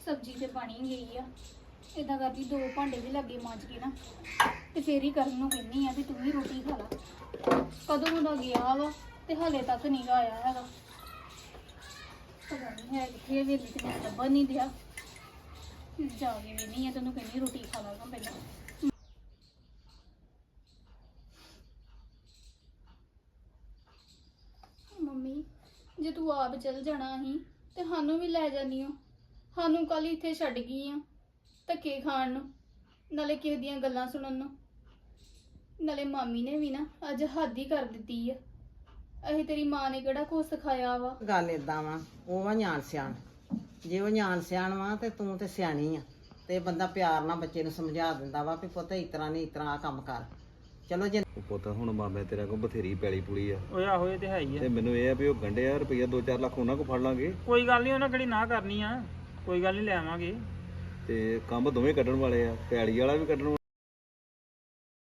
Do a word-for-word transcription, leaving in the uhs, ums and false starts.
ਸਬਜ਼ੀ ਤੇ ਬਣੀ ਗਈ ਆ। ਇਦਾਂ ਕਰਦੀ ਦੋ ਭਾਂਡੇ ਵੀ ਲੱਗੇ ਮਾਂਜ ਕੇ ਨਾ ਤੇ ਫੇਰ ਹੀ ਕਰਨ ਨੂੰ ਕਹਿੰਨੀ ਆ ਵੀ ਤੂੰ ਵੀ ਰੋਟੀ ਖਾ ਲਾ। ਕਦੋਂ ਦਾ ਗਿਆ ਵਾ ਤੇ ਹਲੇ ਤੱਕ ਨਹੀਂ ਆਇਆ ਹੈਗਾ। ਪਤਾ ਨਹੀਂ ਹੈ ਕਿੱਥੇ ਵੇਲੇ ਤੇ ਮੈਂ ਲੱਭਣ ਨਹੀਂ ਦਿਆ। ਜਾ ਕੇ ਵੀ ਨਹੀਂ ਆ ਤੈਨੂੰ ਕਹਿੰਦੀ ਰੋਟੀ ਖਾ ਲਾਂਗਾ ਪਹਿਲਾਂ। ਮੰਮੀ ਜੇ ਤੂੰ ਆਪ ਚਲ ਜਾਣਾ ਸੀ ਤੇ ਸਾਨੂੰ ਵੀ ਲੈ ਜਾਨੀ ਓ। ਸਾਨੂੰ ਕੱਲ ਇੱਥੇ ਛੱਡ ਗਈ ਆ ਧੱਕੇ ਖਾਣ ਨੂੰ, ਨਾਲੇ ਕਿਸੇ ਦੀਆਂ ਗੱਲਾਂ ਸੁਣਨ ਨੂੰ। ਨਾਲੇ ਮਾਮੀ ਨੇ ਵੀ ਨਾ ਅੱਜ ਹੱਦ ਹੀ ਕਰ ਦਿੱਤੀ ਆ। ਅਸੀਂ ਤੇਰੀ ਮਾਂ ਨੇ ਕਿਹੜਾ ਕੁਛ ਸਿਖਾਇਆ ਵਾ। ਗੱਲ ਏਦਾਂ ਵਾ, ਉਹ ਵਾ ਨਿਆਣ ਸਿਆਣ। ਜੇ ਉਹ ਨਿਆਣ ਸਿਆਣ ਵਾ ਤੇ ਤੂੰ ਤੇ ਸਿਆਣੀ ਆ, ਤੇ ਬੰਦਾ ਪਿਆਰ ਨਾਲ ਬੱਚੇ ਨੂੰ ਸਮਝਾ ਦਿੰਦਾ ਵਾ ਵੀ ਪੁੱਤ ਇਸ ਤਰ੍ਹਾਂ ਨਹੀਂ ਇਸ ਤਰ੍ਹਾਂ ਕੰਮ ਕਰ। ਚਲੋ ਜੇ ਉਹ ਪੁੱਤ ਹੁਣ ਮਾਮੇ ਤੇਰੇ ਕੋਲ ਬਥੇਰੀ ਪੈਲੀ ਪੁਲੀ ਆ। ਓਏ ਆਹੋ ਇਹ ਤੇ ਹੈ ਹੀ ਆ। ਤੇ ਮੈਨੂੰ ਇਹ ਆ ਵੀ ਉਹ ਗੰਢੇ ਆ ਰੁਪਈਆ ਦੋ ਚਾਰ ਲੱਖ ਉਹਨਾਂ ਕੋਲ ਫੜ ਲਾਂਗੇ। ਕੋਈ ਗੱਲ ਨਹੀਂ, ਉਹਨਾਂ ਕਿਹੜੀ ਨਾ ਕਰਨੀ ਆ। ਕੋਈ ਗੱਲ ਨਹੀਂ, ਲੈ ਆਵਾਂਗੇ। ਤੇ ਕੰਮ ਦੋਵੇਂ ਕੱਢਣ ਵਾਲੇ ਆ, ਪੈਲੀ ਵਾਲਾ ਵੀ ਕੱਢਣ